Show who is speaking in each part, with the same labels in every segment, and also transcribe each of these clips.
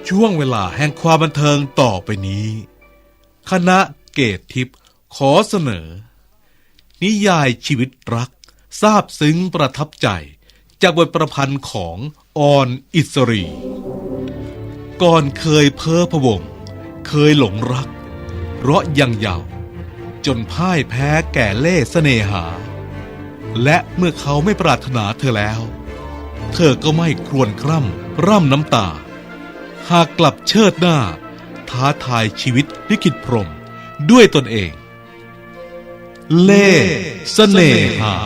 Speaker 1: ช่วงเวลาแห่งความบันเทิงต่อไปนี้คณะเกตทิพย์ขอเสนอนิยายชีวิตรักซาบซึ้งประทับใจจากบทประพันธ์ของออนอิสรีก่อนเคยเพ้อพะวงเคยหลงรักเพราะยังเยาว์จนพ่ายแพ้แก่เล่ห์เสน่หาและเมื่อเขาไม่ปรารถนาเธอแล้วเธอก็ไม่ครวญคร่ำร่ำน้ำตาหากกลับเชิดหน้าท้าทายชีวิตลิขิตพรหมด้วยตนเองเล่ห์เสน่หา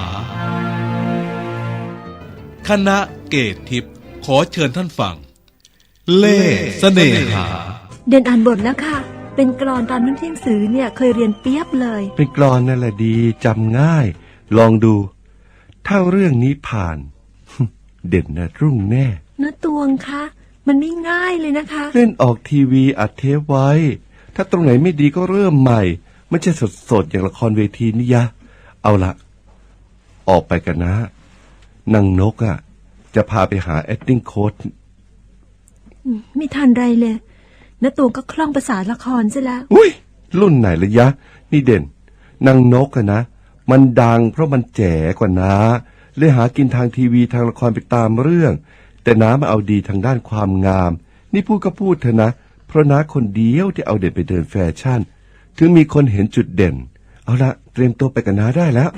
Speaker 1: คณะเกตทิพย์ขอเชิญท่านฟังเล่ห์เสน่หา
Speaker 2: เดินอ่านบทแล้วค่ะเป็นกลอนตอนนั้นที่หนังสือเนี่ยเคยเรียนเปียบเลย
Speaker 3: เป็นกลอนนั่นแหละดีจำง่ายลองดูถ้าเรื่องนี้ผ่าน เด่นนะรุ่งแน่
Speaker 2: นะตวงคะมันไม่ง่ายเลยนะคะ
Speaker 3: เล่นออกทีวีอัดเทปไว้ถ้าตรงไหนไม่ดีก็เริ่มใหม่ไม่ใช่สดๆอย่างละครเวทีนี่ยะเอาละออกไปกันนะนางนกอ่ะจะพาไปหา acting coach
Speaker 2: ไม่ทันไรเลยนะตวงก็คล่องภาษาละครซะแล้ว
Speaker 3: อุ้ยรุ่นไหนละยะนี่เด่นนางนกอะนะมันดังเพราะมันแจ๋กว่านะเลยหากินทางทีวีทางละครไปตามเรื่องแต่น้ามาเอาดีทางด้านความงามนี่พูดก็พูดเถอะนะเพราะน้าคนเดียวที่เอาเด่นไปเดินแฟชั่นถึงมีคนเห็นจุดเด่นเอาละเตรียมตัวไปกับน้าได้แล้ว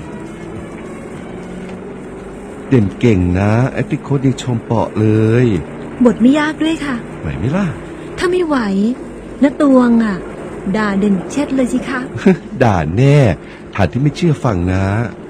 Speaker 3: เด่นเก่งนะไอ้ที่โค้ดยังชมเปาะเลย
Speaker 2: บทไม่ยากด้วยค่ะ
Speaker 3: ไหวไหมล่ะ
Speaker 2: ถ้าไม่ไหวนะตวงอ่ะด่าเด่นเช็ดเลยสิคะ
Speaker 3: ด่าแน่ฐานที่ไม่เชื่อฟังนะ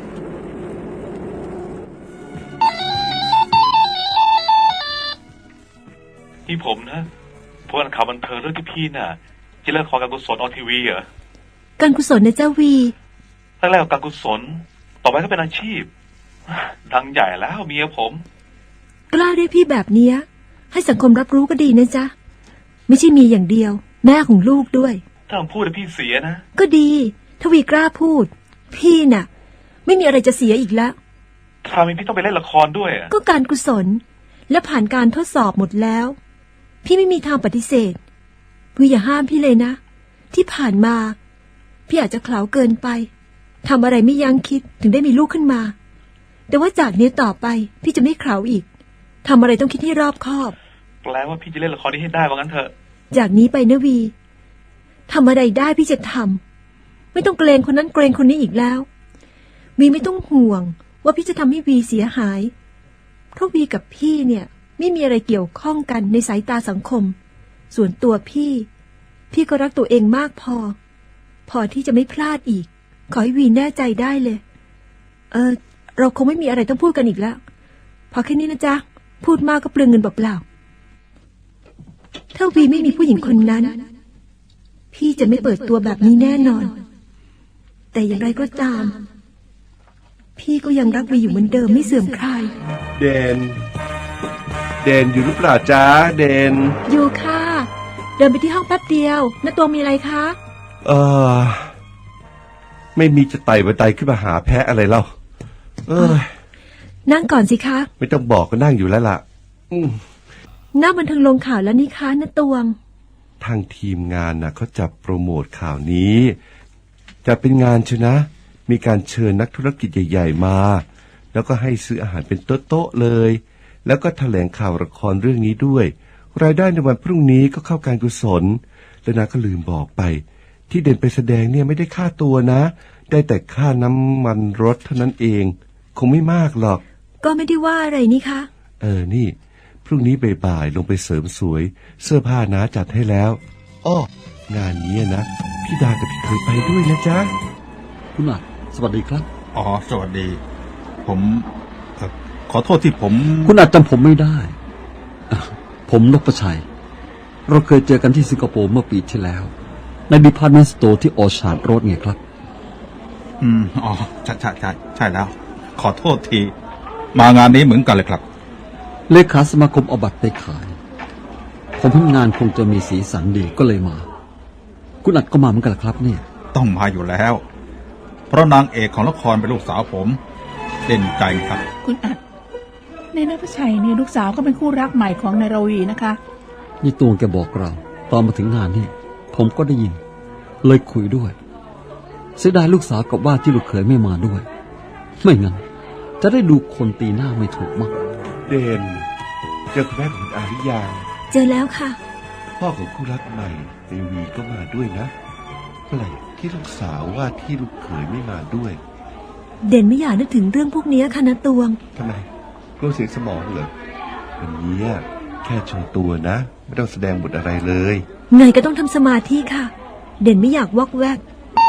Speaker 4: นี่ผมนะพวกข่าวบันเทิงเรื่องที่พี่น่ะจะเล่นละครการกุศลออนทีวีเหรอ
Speaker 2: การกุศลนะเจ้าวี
Speaker 4: แรกๆการกุศลต่อไปก็เป็นอาชีพดังใหญ่แล้วเมียผม
Speaker 2: กล้าเรียกพี่แบบเนี้ยให้สังคมรับรู้ก็ดีนะจ๊ะไม่ใช่มีอย่างเดียวแม่ของลูกด้วย
Speaker 4: ถ้าผมพูดแล้วพี่เสียนะ
Speaker 2: ก็ดีทวีกล้าพูดพี่น่ะไม่มีอะไรจะเสียอีกแล้ว
Speaker 4: ทำไมพี่ต้องไปเล่นละครด้วย
Speaker 2: ก็การกุศลและผ่านการทดสอบหมดแล้วพี่ไม่มีทางปฏิเสธวีอย่าห้ามพี่เลยนะที่ผ่านมาพี่อาจจะเขลาเกินไปทำอะไรไม่ยั้งคิดถึงได้มีลูกขึ้นมาแต่ว่าจากนี้ต่อไปพี่จะไม่เขลาอีกทำอะไรต้องคิดให้รอบคอบ
Speaker 4: แปลว่าพี่จะเล่นละครนี้ให้ได้ว่างั้นเถอะ
Speaker 2: จากนี้ไปนะวีทำอะไรได้พี่จะทำไม่ต้องเกรงคนนั้นเกรงคนนี้อีกแล้ววีไม่ต้องห่วงว่าพี่จะทำให้วีเสียหายเพราะวีกับพี่เนี่ยไม่มีอะไรเกี่ยวข้องกันในสายตาสังคมส่วนตัวพี่ก็รักตัวเองมากพอที่จะไม่พลาดอีกขอให้วีแน่ใจได้เลยเราคงไม่มีอะไรต้องพูดกันอีกแล้วพอแค่นี้นะจ๊ะพูดมากก็เปลืองเงินเปล่าๆถ้าวีไม่มีผู้หญิงคนนั้นพี่จะไม่เปิดตัวแบบนี้แน่นอนแต่อย่างไรก็ตามพี่ก็ยังรักวีอยู่เหมือนเดิมไม่เสื่อมคลาย
Speaker 3: เด่นอยู่หรือเปล่าจ๊ะเด่น
Speaker 2: อยู่ค่ะเดินไปที่ห้องแป๊บเดียวน้าตัวมีอะไรคะ
Speaker 3: ไม่มีจะไต่บันไดขึ้นมาหาแพะอะไรเล่า
Speaker 2: นั่งก่อนสิคะ
Speaker 3: ไม่ต้องบอกก็นั่งอยู่แล้วล่ะ
Speaker 2: หน้าบันเทิงลงข่าวแล้วนี่คะน้าตวง
Speaker 3: ทางทีมงานน่ะเขาจับโปรโมทข่าวนี้จะเป็นงานชนะมีการเชิญนักธุรกิจใหญ่ๆมาแล้วก็ให้ซื้ออาหารเป็นโต๊ะๆเลยแล้วก็แถลงข่าวละครเรื่องนี้ด้วยรายได้ในวันพรุ่งนี้ก็เข้าการกุศลแล้วนะก็ลืมบอกไปที่เด่นไปแสดงเนี่ยไม่ได้ค่าตัวนะได้แต่ค่าน้ำมันรถเท่านั้นเองคงไม่มากหรอก
Speaker 2: ก็ไม่ได้ว่าอะไรนี่คะ
Speaker 3: นี่พรุ่งนี้บ่ายๆลงไปเสริมสวยเสื้อผ้านะจัดให้แล้วงานนี้นะพี่ดากับพี่เคยไปด้วยนะจ๊ะ
Speaker 5: คุณอัดสวัสดีครับ
Speaker 6: สวัสดีผมขอโทษที่ผม
Speaker 5: คุณอัดจำผมไม่ได้ผมนพชัยเราเคยเจอกันที่สิงคโปร์เมื่อปีที่แล้วในดีพาร์ตเมนต์สโตร์ที่ออชาร์ดโรดไงครับ
Speaker 6: ใช่แล้วขอโทษทีมางานนี้เหมือนกันเลยครับ
Speaker 5: เลขาสมาคมเอาบัตรไปขายผมเห็นงานคงจะมีสีสันดีก็เลยมาคุณอัดก็มาเหมือนกันครับเนี่ย
Speaker 6: ต้องมาอยู่แล้วเพราะนางเอกของละครเป็นลูกสาวผมเด่นใจครับ
Speaker 7: คุณอัดในนพชัยเนี่ยลูกสาวก็เป็นคู่รักใหม่ของนายรวีนะคะ
Speaker 5: นี่ตวงแกบอกเราตอนมาถึงงานนี่ผมก็ได้ยินเลยคุยด้วยเสียดายลูกสาวกับว่าที่ลูกเขยไม่มาด้วยไม่งั้นจะได้ดูคนตีหน้าไม่ถูกมั้ง
Speaker 3: เด่นเจอคุณแม่ของคุณอาหรือยัง
Speaker 2: เจอแล้วค่ะ
Speaker 3: พ่อของคู่รักใหม่ในวีก็มาด้วยนะแปลกที่ลูกสาวว่าที่ลูกเขยไม่มาด้วย
Speaker 2: เด่นไม่อยากนึกถึงเรื่องพวกนี้ค่ะนะตวง
Speaker 3: ทำไมกลัวเสียสมองเหรอวันนี้แค่โชว์ตัวนะไม่ต้องแสดงบทอะไรเลย
Speaker 2: ไงก็ต้องทำสมาธิค่ะ เด่นไม่อยากวอกแวก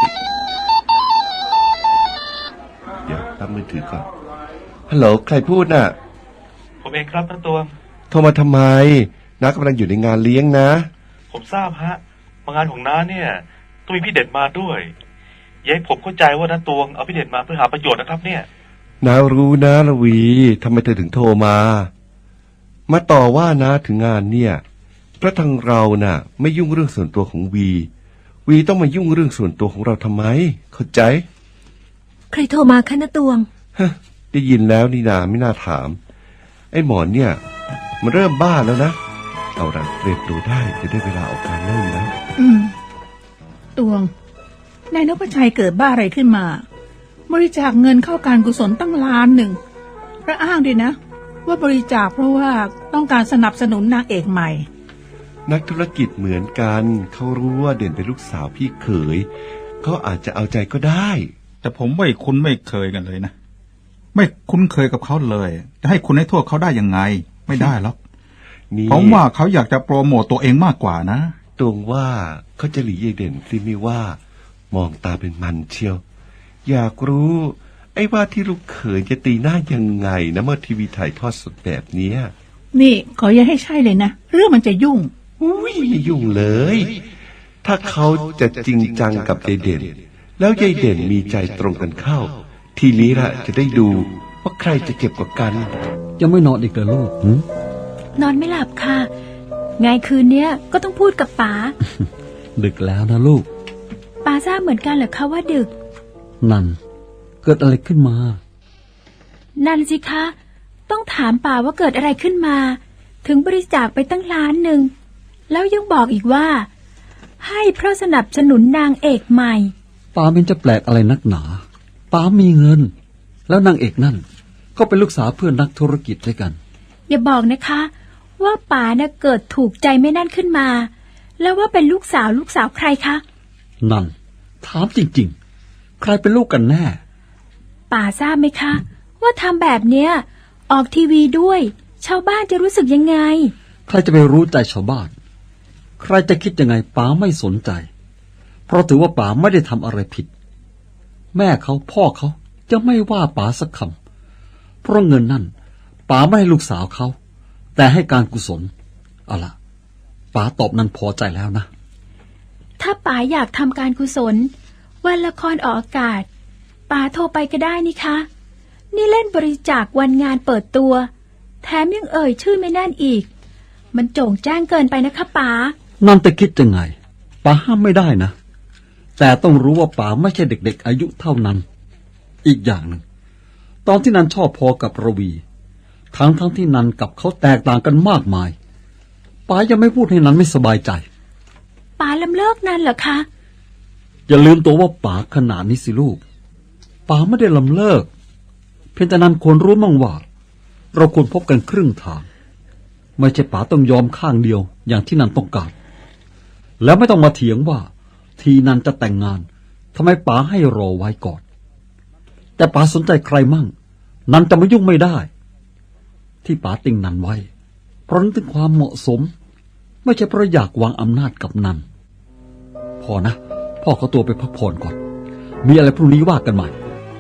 Speaker 3: เดี๋ยวรับมือถือก่อนฮัลโหลใครพูดน่ะ
Speaker 4: ผมเองครับน้าตวง
Speaker 3: โทรมาทำไมน้ากำลังอยู่ในงานเลี้ยงนะ
Speaker 4: ผมทราบฮะมางานของน้าเนี่ยต้องมีพี่เด่นมาด้วยอย่าให้ผมเข้าใจว่าน้าตวงเอาพี่เด่นมาเพื่อหาประโยชน์นะครับเนี่ย
Speaker 3: น้ารู้นะละวีทำไมเธอถึงโทรมาต่อว่านะถึงงานเนี่ยเพราะทางเราน่ะไม่ยุ่งเรื่องส่วนตัวของวีต้องมายุ่งเรื่องส่วนตัวของเราทำไมเข้าใจ
Speaker 2: ใครโทรมาคะนะตวง
Speaker 3: ฮะได้ยินแล้วนี่นาไม่น่าถามไอ้หมอนเนี่ยมันเริ่มบ้าแล้วนะเอาละเตรียมตัวได้จะได้เวลาออกการเริ่มแล้ว
Speaker 7: ตวงนายนพชัยเกิดบ้าอะไรขึ้นมาบริจาคเงินเข้าการกุศลตั้ง1,000,000พระอ้างด้วยนะว่าบริจาคเพราะว่าต้องการสนับสนุนนางเอกใหม่
Speaker 3: นักธุรกิจเหมือนกันเขารู้ว่าเด่นเป็นลูกสาวพี่เขยเขาอาจจะเอาใจก็ได้
Speaker 6: แต่ผมไม่คุ้นไม่เคยกันเลยนะไม่คุ้นเคยกับเขาเลยจะให้คุณให้โทษเขาได้ยังไงไม่ได้หรอก
Speaker 3: นี่
Speaker 6: ผมว่าเขาอยากจะโปรโมตตัวเองมากกว่านะ
Speaker 3: ตรงว่าเขาจะหลียายเด่นสิไม่ว่ามองตาเป็นมันเชียวอยากรู้ไอ้ว่าที่ลูกเขยจะตีหน้ายังไงนะเมื่อทีวีถ่ายทอดสดแบบเนี้ย
Speaker 7: นี่ขออย่าให้ใช่เลยนะเรื่องมันจะยุ่ง
Speaker 3: อุ้ยไม่ยุ่งเลย ถ้าเขาจะจริงจังกับยายเด่นแล้วยายเด่นมีใจตรงกันเข้า ทีนี้ละจะได้ดูว่าใครจะเจ็บกว่ากัน
Speaker 5: ยังไม่นอนอีกเหรอลูก
Speaker 8: นอนไม่หลับค่ะ ไงคืนเนี้ยก็ต้องพูดกับป๋า
Speaker 5: ดึกแล้วนะลูก
Speaker 8: ป๋าทราบเหมือนกันเหรอคะว่าดึก
Speaker 5: นั่นเกิดอะไรขึ้นมา
Speaker 8: นั่นสิคะ ต้องถามป๋าว่าเกิดอะไรขึ้นมา ถึงบริจาคไปตั้ง1,000,000แล้วยังบอกอีกว่า ให้เพราะสนับสนุนนางเอกใหม่
Speaker 5: ป๋าเป็นจะแปลกอะไรนักหนาป๋ามีเงิน แล้วนางเอกนั่นก็เป็นลูกสาวเพื่อนนักธุรกิจด้วยกัน
Speaker 8: อย่าบอกนะคะ ว่าป๋าน่ะเกิดถูกใจไม่นั่นขึ้นมา แล้วว่าเป็นลูกสาวใครคะ
Speaker 5: นั่นถามจริงๆ ใครเป็นลูกกันแน่
Speaker 8: ป๋าทราบไหมคะ ว่าทำแบบเนี้ยออกทีวีด้วย ชาวบ้านจะรู้สึกยังไง
Speaker 5: ใครจะไปรู้ใจชาวบ้าน ใครจะคิดยังไงป๋าไม่สนใจ เพราะถือว่าป๋าไม่ได้ทำอะไรผิด แม่เขาพ่อเขาจะไม่ว่าป๋าสักคำเพราะเงินนั่นป๋าไม่ให้ลูกสาวเขาแต่ให้การกุศลเอาล่ะป๋าตอบนั้นพอใจแล้วนะ
Speaker 8: ถ้าป๋าอยากทำการกุศลวันละครออกอากาศป๋าโทรไปก็ได้นี่คะ นี่เล่นบริจาควันงานเปิดตัว แถมยังเอ่ยชื่อไม่นั่นอีก มันโจ่งแจ้งเกินไปนะคะป๋า
Speaker 5: นั่นจะคิดยังไงป๋าห้ามไม่ได้นะแต่ต้องรู้ว่าป๋าไม่ใช่เด็กๆอายุเท่านั้น อีกอย่างหนึ่งตอนที่นันชอบพอกับระวีทั้งที่นันกับเขาแตกต่างกันมากมายป๋ายังไม่พูดให้นันไม่สบายใจ
Speaker 8: ป๋าลำเลิกนั่นเหรอคะ
Speaker 5: อย่าลืมตัวว่าป๋าขนาดนี้สิลูกป๋าไม่ได้ลำเลิกเพียงแต่นันควรรู้มั่งว่าเราควรพบกันครึ่งทางไม่ใช่ป๋าต้องยอมข้างเดียวอย่างที่นันต้องการแล้วไม่ต้องมาเถียงว่าทีนันจะแต่งงานทำไมป๋าให้รอไว้ก่อนแต่ป๋าสนใจใครมั่งนันจะไม่ยุ่งไม่ได้ที่ป๋าติงนันไว้เพราะนึกถึงความเหมาะสมไม่ใช่เพราะอยากวางอำนาจกับนันพอนะพ่อเขาตัวไปพักผ่อนก่อนมีอะไรพรุ่งนี้ว่ากันใหม่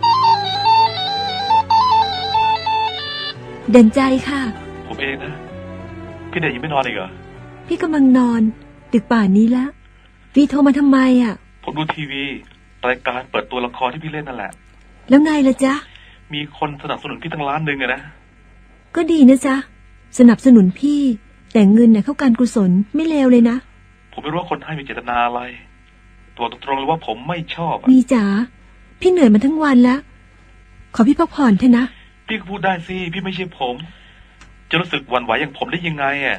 Speaker 2: เด่นใจค่ะ
Speaker 4: ผมเองนะพี่เด่นยังไม่นอนอีกเหรอ
Speaker 2: พี่กำลังนอนดึกป่านนี้แล้ววีโทรมาทำไมอ่ะ
Speaker 4: ผมดูทีวีรายการเปิดตัวละครที่พี่เล่นนั่นแหละ
Speaker 2: แล้วไงล่ะจ๊ะ
Speaker 4: มีคนสนับสนุนพี่ตั้ง1,000,000อะนะ
Speaker 2: ก็ดีนะจ๊ะสนับสนุนพี่แต่เงินเนี่ยเข้าการกุศลไม่เลวเลยนะ
Speaker 4: ผมไม่รู้ว่าคนให้มีเจตนาอะไร ตัวตรงๆเลยว่าผมไม่ชอบอะ
Speaker 2: วีจ๋าพี่เหนื่อยมาทั้งวันแล้วขอพี่พักผ่อนเถอะนะ
Speaker 4: พี่ก็พูดได้สิพี่ไม่ใช่ผม จะรู้สึกหวั่นไหวอย่างผมได้ยังไงอะ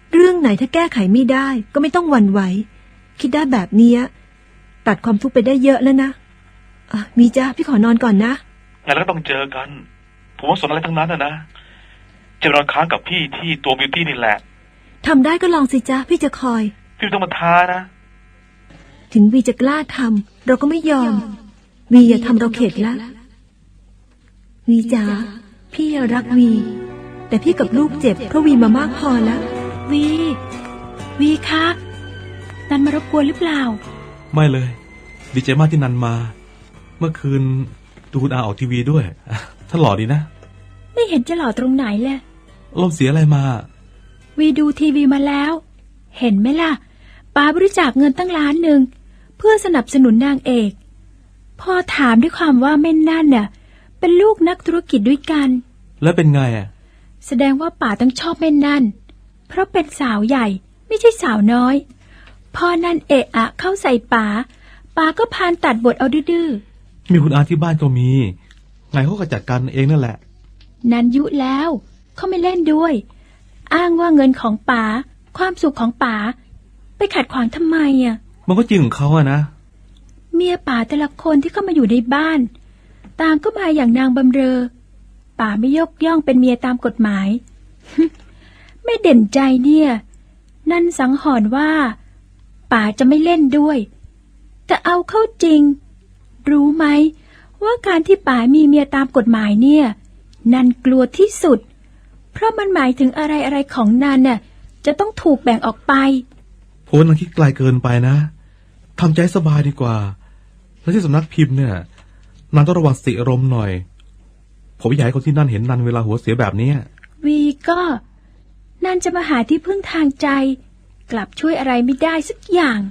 Speaker 2: เรื่องไหนถ้าแก้ไขไม่ได้ก็ไม่ต้องหวั่นไหวคิดได้แบบเนี้ยตัดความทุกข์ไปได้เยอะแล้วนะมีจ้าพี่ขอนอนก่อนนะ
Speaker 4: งั้นแล้วก็ต้องเจอกันผมว่าสนอะไรทั้งนั้นนะจะนอนค้างกับพี่ที่ตัวบิวตี้นี่แหละ
Speaker 2: ทำได้ก็ลองสิจ้าพี่จะคอย
Speaker 4: พี่ต้องมาท้านะ
Speaker 2: ถึงวีจะกล้าทำเราก็ไม่ยอมวีอย่าทำเราเข็ดละวีจ๋าพี่รักวีแต่พี่กับลูกเจ็บเพราะวีมามากพอแล้ว
Speaker 8: วีคะนันมารบกวนหรือเปล่า
Speaker 1: ไม่เลยดีใจมากที่นันมาเมื่อคืนดูคุณอาออกทีวีด้วยท่านหล่อดีนะ
Speaker 8: ไม่เห็นจะหล่อตรงไหนเลย
Speaker 1: ลมเสียอะไรมา
Speaker 8: วีดูทีวีมาแล้วเห็นไหมล่ะป้าบริจาคเงินตั้ง1,000,000เพื่อสนับสนุนนางเอกพอถามด้วยความว่าแม่นั่นน่ะเป็นลูกนักธุรกิจด้วยกัน
Speaker 1: แล้วเป็นไง
Speaker 8: แสดงว่าป๋าต้องชอบแม่นั่นเพราะเป็นสาวใหญ่ไม่ใช่สาวน้อยพอนั่นเอะอะเข้าใส่ป๋าก็พานตัดบทเอาดื้อ
Speaker 1: มีคุณอาที่บ้านก็มีไงเขาก็จัดการเองนั่นแหละ
Speaker 8: นันยุแล้วเขาไม่เล่นด้วยอ้างว่าเงินของป๋าความสุขของป๋าไปขัดขวางทำไม
Speaker 1: มันก็จริงของเขานะ
Speaker 8: เมียป๋าแต่ละคนที่เข้ามาอยู่ในบ้านต่างก็มาอย่างนางบำเรอป๋าไม่ยกย่องเป็นเมียตามกฎหมาย ไม่เด่นใจเนี่ยนั่นสังหรณ์ว่าป๋าจะไม่เล่นด้วยแต่เอาเข้าจริงรู้ไหมว่าการที่ป๋ามีเมียตามกฎหมายเนี่ยนันกลัวที่สุดเพราะมันหมายถึงอะไรของนันน่ะจะต้องถูกแบ่งออกไป
Speaker 1: โพนันคิดไกลเกินไปนะทำใจสบายดีกว่าแล้วที่สำนักพิมพ์เนี่ยนันต้องระวังสติอารมณ์หน่อยผมอยากให้คนที่นั่นเห็นนันเวลาหัวเสียแบบนี้
Speaker 8: วีก็นันจะมาหาที่พึ่งทางใจกลับช่วยอะไรไม่ได้สักอย่าง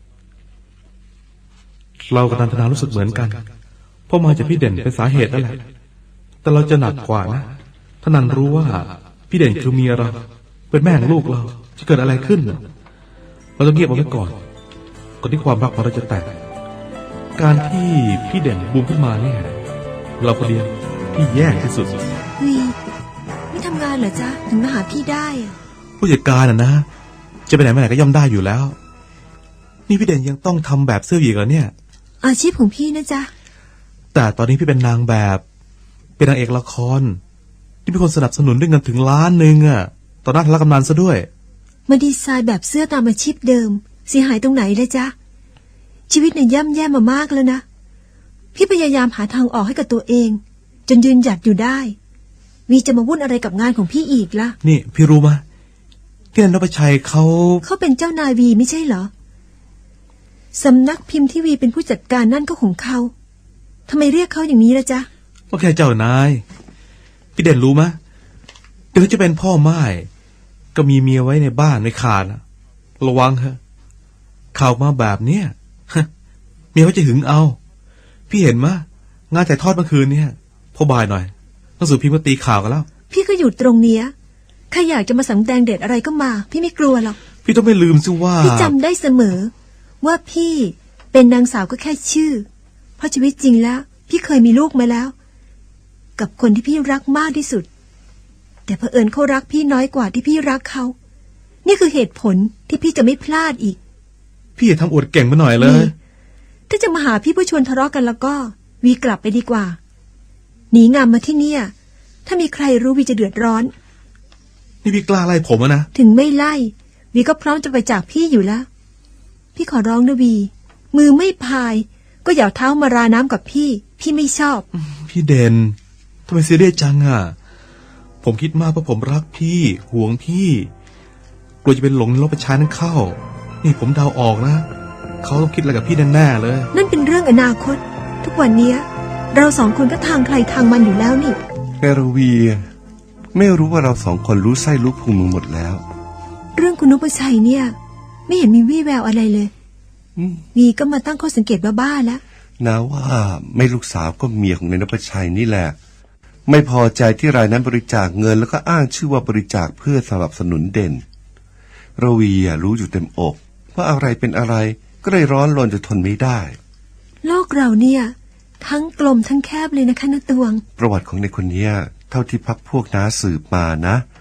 Speaker 1: เรากับนันทนารู้สึกเหมือนกันเพราะมาจากพี่เด่นเป็นสาเหตุนั่นแหละแต่เราจะหนักกว่านะถ้านันรู้ว่าพี่เด่นคือเมียเราเป็นแม่ของลูกเราจะเกิดอะไรขึ้นเราต้องเงียบเอาไว้ก่อนที่ความรักของเราจะแตกการที่พี่เด่นบูมขึ้นมาเนี่ยเราคนเดียวที่แย่ที่สุด
Speaker 2: วีไม่ทำงานเหรอจ๊ะถึงมาหาพี่ได้
Speaker 1: ผู้จัดการนะจะไปไหนมาไหนก็ย่อมได้อยู่แล้วนี่พี่เด่นยังต้องทำแบบเสื้ออีกเหรอเนี่ย
Speaker 2: อาชีพของพี่นะจ๊ะ
Speaker 1: แต่ตอนนี้พี่เป็นนางแบบเป็นนางเอกละครที่เป็นคนสนับสนุนด้วยเงินถึง1,000,000ต่อหน้าทารกำนันซะด้วย
Speaker 2: มาดีไซน์แบบเสื้อตามอาชีพเดิมเสียหายตรงไหนเลยจ๊ะชีวิตเนี่ยย่ำแย่มามากแล้วนะพี่พยายามหาทางออกให้กับตัวเองจนยืนหยัดอยู่ได้วีจะมาวุ่นอะไรกับงานของพี่อีกล่ะ
Speaker 1: นี่พี่รู้ไหมที่นันทชัยเขา
Speaker 2: เป็นเจ้านายวีไม่ใช่เหรอสำนักพิมพ์ที่วีเป็นผู้จัดการนั่นก็ของเขาทำไมเรียกเขาอย่างนี้ล่ะจ๊ะ
Speaker 1: ก็แค่เจ้านายพี่เด่นรู้ไหมถึงจะเป็นพ่อม่ายก็มีเมียไว้ในบ้านในคานระวังเถอะข่าวมาแบบเนี้ยเมียเขาจะหึงเอาพี่เห็นมะงานถ่ายทอดเมื่อคืนเนี่ยพอบ่ายหน่อยหนังสือพิมพ์ก็ตีข่าวกันแล้ว
Speaker 2: พี่ก็อยู่ตรงเนี้ยใครอยากจะมาสำแดงเด็ดอะไรก็มาพี่ไม่กลัวหรอก
Speaker 1: พี่ต้องไม่ลืมสิว่า
Speaker 2: พี่จำได้เสมอว่าพี่เป็นนางสาวก็แค่ชื่อเพราะชีวิตจริงแล้วพี่เคยมีลูกมาแล้วกับคนที่พี่รักมากที่สุดแต่เผอิญเขารักพี่น้อยกว่าที่พี่รักเขานี่คือเหตุผลที่พี่จะไม่พลาดอีก
Speaker 1: พี่อย่าทำอวดเก่งมาหน่อยเลย
Speaker 2: ถ้าจะมาหาพี่เพื่อชวนทะเลาะกันแล้วก็วีกลับไปดีกว่าหนีงามมาที่เนี่ยถ้ามีใครรู้วีจะเดือดร้อน
Speaker 1: นี่พี่กล้าไล่ผมนะ
Speaker 2: ถึงไม่ไล่วีก็พร้อมจะไปจากพี่อยู่แล้วพี่ขอร้องนะวีมือไม่พายก็อย่าเท้ามาราน้ำกับพี่ไม่ชอบ
Speaker 1: พี่เด่นทำไมซีเรียสจังผมคิดมากเพราะผมรักพี่ห่วงพี่กลัวจะเป็นหลงลบประชานั้นเข้านี่ผมเดาออกนะเขาต้องคิดอะไรกับพี่แน่ๆเลย
Speaker 2: นั่นเป็นเรื่องอนาคตทุกวันนี้เราสองคนก็ทางใครทางมันอยู่แล้วนี่
Speaker 3: แกรวีไม่รู้ว่าเราสองคนรู้ไส้รู้พุงมึงหมดแล้ว
Speaker 2: เรื่องคุณนพชัยเนี่ยไม่เห็นมีวี่แววอะไรเลยวีก็มาตั้งข้อสังเกตบ้าๆแล้ว
Speaker 3: นะว่าไม่ลูกสาวก็เมียของนายนพชัยนี่แหละไม่พอใจที่รายนั้นบริจาคเงินแล้วก็อ้างชื่อว่าบริจาคเพื่อสนับสนุนเด่นระวีรู้อยู่เต็มอกว่าอะไรเป็นอะไรก็เลยร้อนรนจนทนไม่ได้
Speaker 2: โลกเราเนี่ยทั้งกลมทั้งแคบเลยนะคะณตวง
Speaker 3: ประวัติของในคนนี้เท่าที่พักพวกน้าสืบมานะแก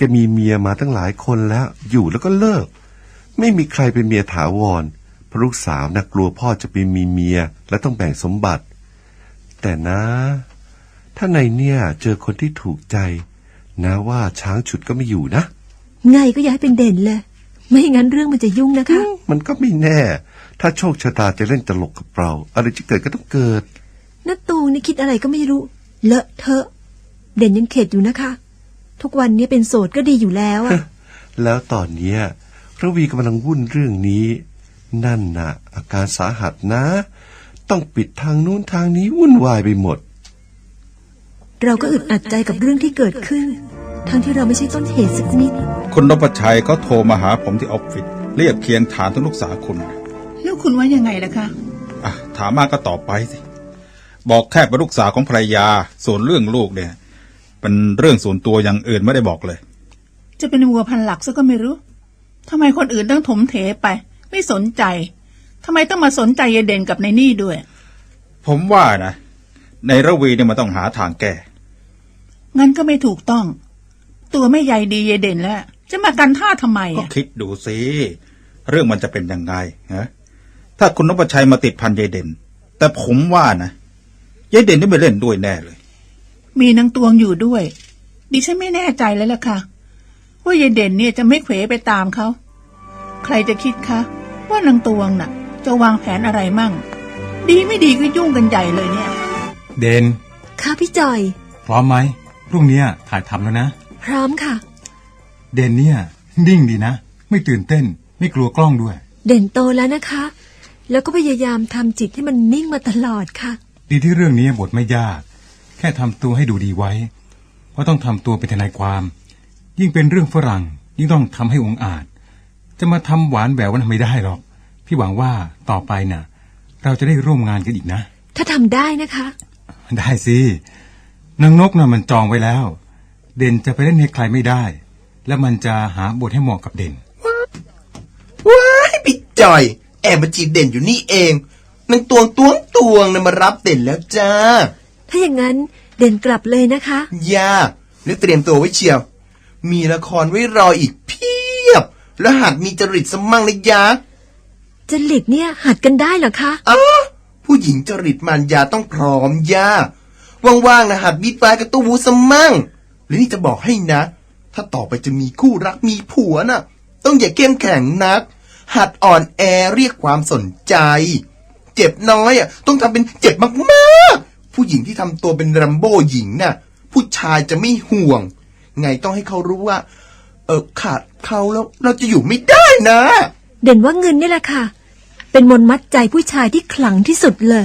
Speaker 3: กมีเมียมาตั้งหลายคนแล้วอยู่แล้วก็เลิกไม่มีใครเป็นเมียถาวรเพราะลูกสาวน่ะกลัวพ่อจะไปมีเมียและต้องแบ่งสมบัติ แต่นะ ถ้าในเนี่ยเจอคนที่ถูกใจนะว่าช้างฉุดก็ไม่อยู่นะ
Speaker 2: ไงก็อย่าให้เป็นเด่นเลยไม่งั้นเรื่องมันจะยุ่งนะคะ
Speaker 3: มันก็ไม่แน่ถ้าโชคชะตาจะเล่นตลกกับเราอะไรจะเกิดก็ต้องเกิด
Speaker 2: น้าตูงนี่คิดอะไรก็ไม่รู้เลอะเทอะเด่นยังเข็ดอยู่นะคะ ทุกวันนี้เป็นโสดก็ดีอยู่แล้วอะ
Speaker 3: แล้วตอนเนี้ยระวีกำลังวุ่นเรื่องนี้นั่นน่ะอาการสาหัสนะต้องปิดทางนู้นทางนี้วุ่นวายไปหมด
Speaker 2: เราก็อึดอัดใจกับเรื่องที่เกิดขึ้นทั้งที่เราไม่ใช่ต้นเหตุสักนิด
Speaker 6: คุณนพชัยเขาโทรมาหาผมที่ออฟฟิศเรียกเคียงฐานถึงลูกสาวคุณ
Speaker 7: แล้วคุณว่ายังไงล่ะคะ
Speaker 6: ถามมาก็ตอบไปสิบอกแค่เป็นลูกสาวของภรรยาส่วนเรื่องลูกเนี่ยเป็นเรื่องส่วนตัวอย่างอื่นไม่ได้บอกเลย
Speaker 7: จะเป็นวัวพันหลักซะก็ไม่รู้ทำไมคนอื่นต้องถมเถไปไม่สนใจทำไมต้องมาสนใจยายเด่นกับนายนี่ด้วย
Speaker 6: ผมว่านะในระวีเนี่ยมันต้องหาทางแก้
Speaker 7: งั้นก็ไม่ถูกต้องตัวไม่ใยดียายเด่นแล้วจะมากันท่าทำไม
Speaker 6: ก็คิดดูสิเรื่องมันจะเป็นยังไงฮะถ้าคุณนพชัยมาติดพันยายเด่นแต่ผมว่านะยายเด่นนี่ไม่เล่นด้วยแน่เลย
Speaker 7: มีนางตวงอยู่ด้วยดิฉันไม่แน่ใจเลยล่ะค่ะว่ายายเด่นเนี่ยจะไม่เขวไปตามเขาใครจะคิดคะว่านางตวงน่ะจะวางแผนอะไรมั่งดีไม่ดีก็ยุ่งกันใหญ่เลยเนี่ย
Speaker 9: เดน
Speaker 2: ค่ะพี่จอย
Speaker 9: พร้อมไหมพรุ่งนี้ถ่ายทำแล้วนะ
Speaker 2: พร้อมค่ะ
Speaker 9: เดนเนี่ยนิ่งดีนะไม่ตื่นเต้นไม่กลัวกล้องด้วย
Speaker 2: เด่นโตแล้วนะคะ แล้วก็พยายามทำจิตให้มันนิ่งมาตลอดค่ะ
Speaker 9: ดีที่เรื่องนี้บทไม่ยากแค่ทำตัวให้ดูดีไว้เพราะต้องทำตัวเป็นทนายความ ยิ่งเป็นเรื่องฝรั่งยิ่งต้องทำให้องอาจจะมาทำหวานแหววมันไม่ได้หรอกพี่หวังว่าต่อไปน่ะเราจะได้ร่วมงานกันอีกนะ
Speaker 2: ถ้าทำได้นะคะ
Speaker 9: ได้สินางนกน่ะมันจองไว้แล้วเด่นจะไปเล่นให้ใครไม่ได้แล้วมันจะหาบทให้เหมาะกับเด่น
Speaker 10: ว้ายพี่จอยแอบมาจีบเด่นอยู่นี่เองนางตวงนะมารับเด่นแล้วจ้า
Speaker 2: ถ้าอย่างนั้นเด่นกลับเลยนะคะ
Speaker 10: ย่าแล้วเตรียมตัวไว้เชียวมีละครไว้รออีกเพียบแล้วหัดมีจริตสมั่งนะยา
Speaker 2: จริตเนี่ยหัดกันได้เหรอคะ
Speaker 10: ผู้หญิงจริตมันยาต้องพร้อมย่าว่างๆนะหัดบีทไฟกับตู้วูสมั่งแล้วนี่จะบอกให้นะ ถ้าต่อไปจะมีคู่รักมีผัวน่ะต้องอย่าเข้มแข็งนักหัดอ่อนแอเรียกความสนใจเจ็บน้อยต้องทำเป็นเจ็บมากๆผู้หญิงที่ทำตัวเป็นรัมโบ้หญิงน่ะผู้ชายจะไม่ห่วงไงต้องให้เขารู้ว่าขาดเขาแล้วเราจะอยู่ไม่ได้นะ
Speaker 2: เด่นว่าเงินนี่แหละค่ะเป็นมนต์มัดใจผู้ชายที่ขลังที่สุดเลย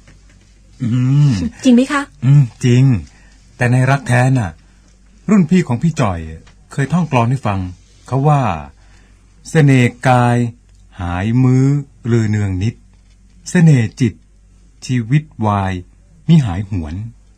Speaker 2: จริงไหมคะ
Speaker 9: จริงแต่ในรักแท้น่ะรุ่นพี่ของพี่จ่อยเคยท่องกลอนให้ฟังเขาว่าเสน่ห์กายหายมื้อลือเนืองนิดเสน่ห์จิตชีวิตวายมิหายหวน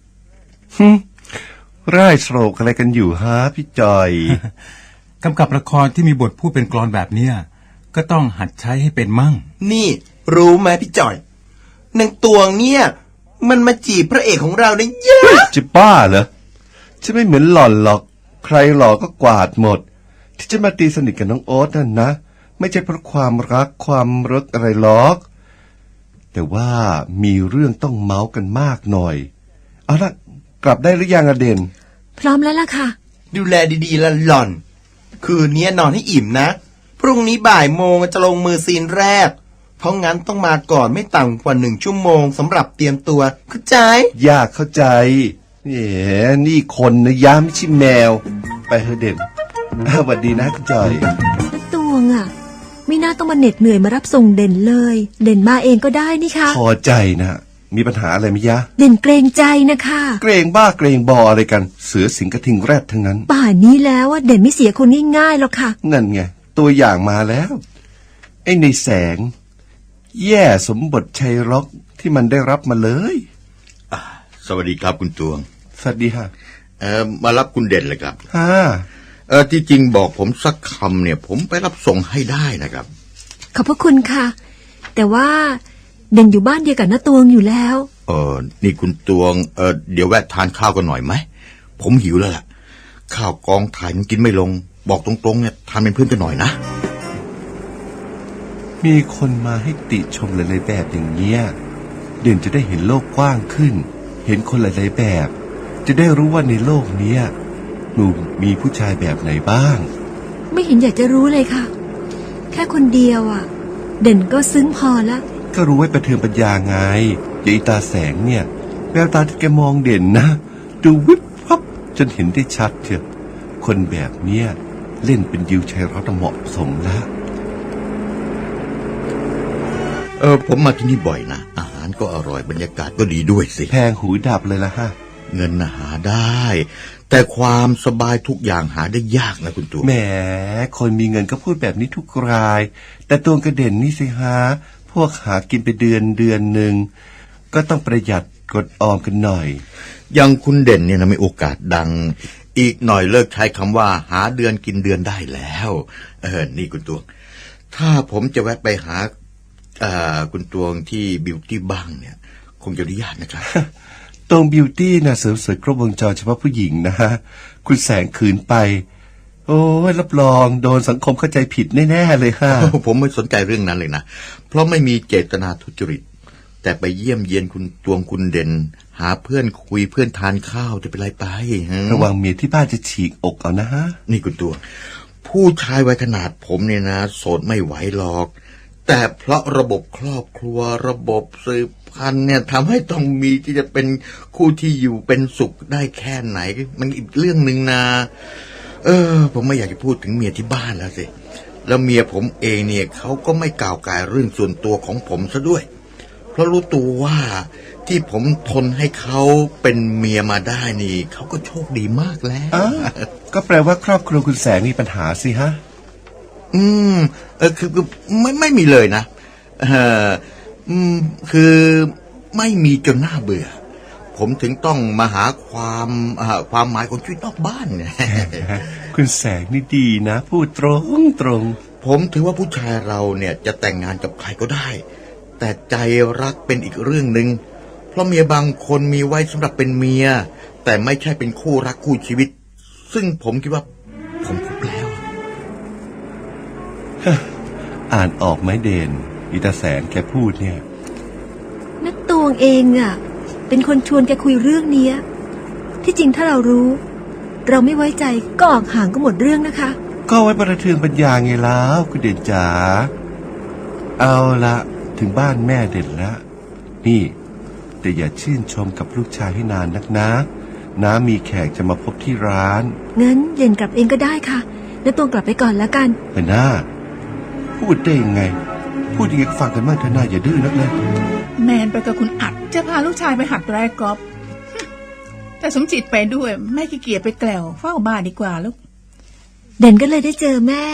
Speaker 3: ร่ายโศกอะไรกันอยู่ฮะพี่จอย
Speaker 9: กำกับละครที่มีบทพูดเป็นกลอนแบบเนี้ยก็ต้องหัดใช้ให้เป็นมั่ง
Speaker 10: นี่รู้ไหมพี่จอยนางตวงเนี่ยมันมาจีบพระเอกของเราเนี่ยเยอะ
Speaker 3: จะบ้าเหรอจะไม่เหมือนหล่อนหรอกใครหล่อก็กวาดหมดที่จะมาตีสนิทกับน้องโอ๊ตนั่นนะไม่ใช่เพราะความรักความรักอะไรหรอกแต่ว่ามีเรื่องต้องเมาส์กันมากหน่อยเอาละกลับได้หรือยังอะเด่น
Speaker 2: พร้อมแล้วล่ะค่ะ
Speaker 10: ดูแลดีๆละหล่อนคืนนี้นอนให้อิ่มนะพรุ่งนี้บ่ายโมงจะลงมือซีนแรกเพราะงั้นต้องมาก่อนไม่ต่ำกว่า1 ชั่วโมงสำหรับเตรียมตัวเข้าใจ
Speaker 3: ยากเข้าใจนี่คนนะย้ำไม่ใช่แมวไปเถอะเด่นสวัสดีนะคุณจอย
Speaker 2: ตวงไม่น่าต้องมาเหน็ดเหนื่อยมารับส่งเด่นเลยเด่นมาเองก็ได้นี่ค่ะ
Speaker 3: พอใจนะมีปัญหาอะไรไหมยะ
Speaker 2: เด่นเกรงใจนะคะ
Speaker 3: เกรงบ้าเกรงบออะไรกันเสือสิงกระทิงแรดทั้งนั้น
Speaker 2: ป่านนี้แล้วเด่นไม่เสียคนง่ายๆหรอกค่ะ
Speaker 3: นั่นไงตัวอย่างมาแล้วไอ้ในแสงแย่สมบทชัยร็อกที่มันได้รับมาเลย
Speaker 11: สวัสดีครับคุณตวง
Speaker 3: สวัสดีค่ะ
Speaker 11: มารับคุณเด่นเลยครับที่จริงบอกผมสักคำเนี่ยผมไปรับส่งให้ได้นะครับ
Speaker 2: ขอบพระคุณค่ะแต่ว่าเด่นอยู่บ้านเดียวกับน้าตวงอยู่แล้ว
Speaker 11: นี่คุณตวงเดี๋ยวแวะทานข้าวกันหน่อยไหมผมหิวแล้วล่ะข้าวกองถ่ายมันกินไม่ลง บอกตรงๆเนี่ยทานเป็นเพื่อนกันหน่อยนะ
Speaker 3: มีคนมาให้ติชมหลายๆแบบอย่างเงี้ยเด่นจะได้เห็นโลกกว้างขึ้น เห็นคนหลายๆแบบ จะได้รู้ว่าในโลกเนี้ยหนูมีผู้ชายแบบไหนบ้าง
Speaker 2: ไม่เห็นอยากจะรู้เลยค่ะ แค่คนเดียวอ่ะ เด่นก็ซึ้งพอละ
Speaker 3: ก็รู้ไว้ประเทืองปัญญาไงยายตาแสงเนี่ยแววตาที่แกมองเด่นนะดูวิบวับจนเห็นได้ชัดเชียวคนแบบเนี้ยเล่นเป็นดิวชัยรัตน์เหมาะสมแล้ว
Speaker 11: ผมมาที่นี่บ่อยนะอาหารก็อร่อยบรรยากาศก็ดีด้วยสิ
Speaker 3: แพงหูดับเลยละฮะ
Speaker 11: เงินน่ะหาได้ แต่ความสบายทุกอย่างหาได้ยากนะคุณตัว
Speaker 3: แหมคนมีเงินก็พูดแบบนี้ทุกรายแต่ตัวกระเด่นนี่สิฮะพวกหากินไปเดือนหนึ่งก็ต้องประหยัดกดออมกันหน่อย
Speaker 11: อย่างคุณเด่นเนี่ยนะมีโอกาสดัง อีกหน่อยเลิกใช้คำว่าหาเดือนกินเดือนได้แล้วนี่คุณตวงถ้าผมจะแวะไปหาคุณตวงที่บิวตี้บ้างเนี่ยคงจะอนุญาตนะครับ
Speaker 3: ตรงบิวตี้นะเสริมสวยครบวงจรเฉพาะผู้หญิงนะฮะคุณแสงขืนไปโอ้ยรับรองโดนสังคมเข้าใจผิดแน่ๆเลยฮะ
Speaker 11: ผมไม่สนใจเรื่องนั้นเลยนะเพราะไม่มีเจตนาทุจริตแต่ไปเยี่ยมเยียนคุณตวงคุณเด่นหาเพื่อนคุยเพื่อนทานข้าวจะเป็นไรไประ
Speaker 3: วังเมียที่บ้านจะฉีกอกเอานะฮะ
Speaker 11: นี่คุณตวงผู้ชายวัยขนาดผมเนี่ยนะโสดไม่ไหวหรอกแต่เพราะระบบครอบครัวระบบสืบพันธุ์เนี่ยทำให้ต้องมีที่จะเป็นคู่ที่อยู่เป็นสุขได้แค่ไหนมันอีกเรื่องหนึ่งนะผมไม่อยากจะพูดถึงเมียที่บ้านแล้วสิแล้วเมียผมเองเนี่ยเขาก็ไม่กล่าวกายเรื่องส่วนตัวของผมซะด้วยเพราะรู้ตัวว่าที่ผมทนให้เขาเป็นเมียมาได้นี่เขาก็โชคดีมากแล้ว
Speaker 3: ก็แปลว่าครอบครัวคุณแสงมีปัญหาสิฮะ
Speaker 11: คือไม่มีเลยนะคือไม่มีจนน่าเบื่อผมถึงต้องมาหาความหมายของชีวิตนอกบ้านเนี่ย
Speaker 3: คุณแสงนี่ดีนะพูดตรง
Speaker 11: ผมถือว่าผู้ชายเราเนี่ยจะแต่งงานกับใครก็ได้แต่ใจรักเป็นอีกเรื่องหนึ่งเพราะเมียบางคนมีไว้สำหรับเป็นเมียแต่ไม่ใช่เป็นคู่รักคู่ชีวิตซึ่งผมคิดว่าผมพบแล้ว
Speaker 3: อ่านออกไหมเด่นอีตาแสงแกพูดเนี่ย
Speaker 2: นักตวงเองอ่ะเป็นคนชวนแกคุยเรื่องนี้ที่จริงถ้าเรารู้เราไม่ไว้ใจก็ออกห่างก็หมดเรื่องนะคะ
Speaker 3: ก็ไว้ประเทืองปัญญาไงแล้วคุณเด่นจ๋าเอาละถึงบ้านแม่เด่นละนี่แต่อย่าชื่นชมกับลูกชายให้นานนักนะน้ามีแขกจะมาพบที่ร้าน
Speaker 2: งั้นเด่นกลับเองก็ได้ค่ะนักตวงกลับไปก่อนแล้วกัน
Speaker 3: ไปหน้าพูดได้ยังไงพูดยังไงก็ฟังกันบ้างเถอะนะอย่าดื้อนักเลย
Speaker 7: แมนไปกับคุณอัดจะพาลูกชายไปหัดไร้กอล์ฟแต่สมจิตไปด้วยแม่ขี้เกียจไปแกล้วเฝ้าบ้านดีกว่าลูก
Speaker 2: เด่นก็เลยได้เจอแม่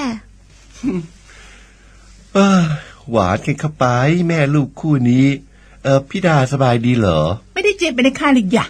Speaker 3: หวานกันเข้าไปแม่ลูกคู่นี้พี่ดาสบายดีเหรอ
Speaker 7: ไม่ได้เจ็บไปในค่ายหรือหยะ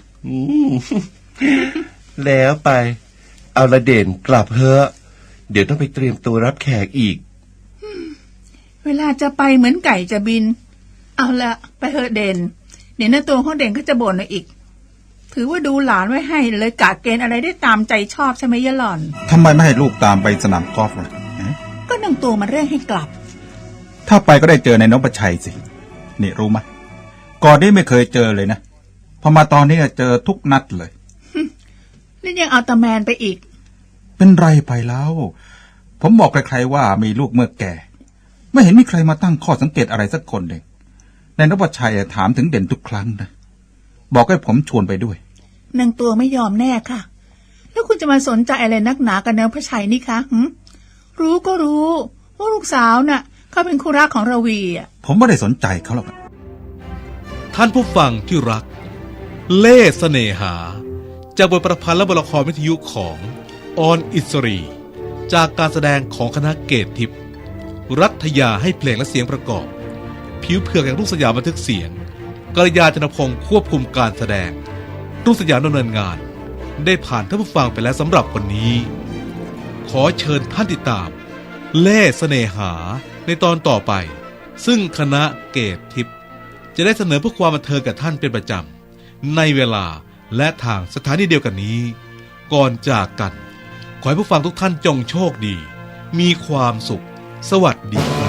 Speaker 3: แล้วไปเอาละเด่นกลับเถอะเดี๋ยวต้องไปเตรียมตัวรับแขกอีก
Speaker 7: เวลาจะไปเหมือนไก่จะบินเอาละไปเถอะเด่นเดี๋ยวหน้าตัวของเด่นก็จะบ่นอีกถือว่าดูหลานไว้ให้เลยกะเกณฑ์อะไรได้ตามใจชอบใช่ไหมยะหล่อน
Speaker 6: ทำไมไม่ให้ลูกตามไปสนามกอล์ฟล่ะ
Speaker 7: ก็นางตัวมันเร่งให้กลับ
Speaker 6: ถ้าไปก็ได้เจอในนพชัยสินี่รู้ไหมก่อนนี้ไม่เคยเจอเลยนะพอมาตอนนี้เจอทุกนัดเลย
Speaker 7: นี่ยังเอาตาแมนไปอีก
Speaker 6: เป็นไรไปแล้วผมบอกใครๆว่ามีลูกเมื่อแก่ไม่เห็นมีใครมาตั้งข้อสังเกตอะไรสักคนเลยในนพชัยถามถึงเด่นทุกครั้งนะบอกให้ผมชวนไปด้วย
Speaker 7: นางตัวไม่ยอมแน่ค่ะแล้วคุณจะมาสนใจอะไรนักหนากับนพชัยนี่คะรู้ก็รู้ว่าลูกสาวน่ะเขาเป็นคู่รักของราวี
Speaker 6: ผมไม่ได้สนใจเขาหรอก
Speaker 1: ท่านผู้ฟังที่รักเล่ห์เสน่หาจากบทประพันธ์และบทละครวิทยุของออนอิสรีจากการแสดงของคณะเกตทิพย์รัฐยาให้เพลงและเสียงประกอบผิวเผือกอย่างรุ่งสยามบันทึกเสียงกัลยาณ จนพงศ์ควบคุมการแสดงรุ่งสยามดำเนินงานได้ผ่านท่านผู้ฟังไปแล้วสำหรับวันนี้ขอเชิญท่านติดตามเล่ห์เสน่หาในตอนต่อไปซึ่งคณะเกตทิพย์จะได้เสนอเพื่อความบันเทิงกับท่านเป็นประจำในเวลาและทางสถานีเดียวกันนี้ก่อนจากกันขอให้ผู้ฟังทุกท่านจงโชคดี มีความสุข สวัสดีครับ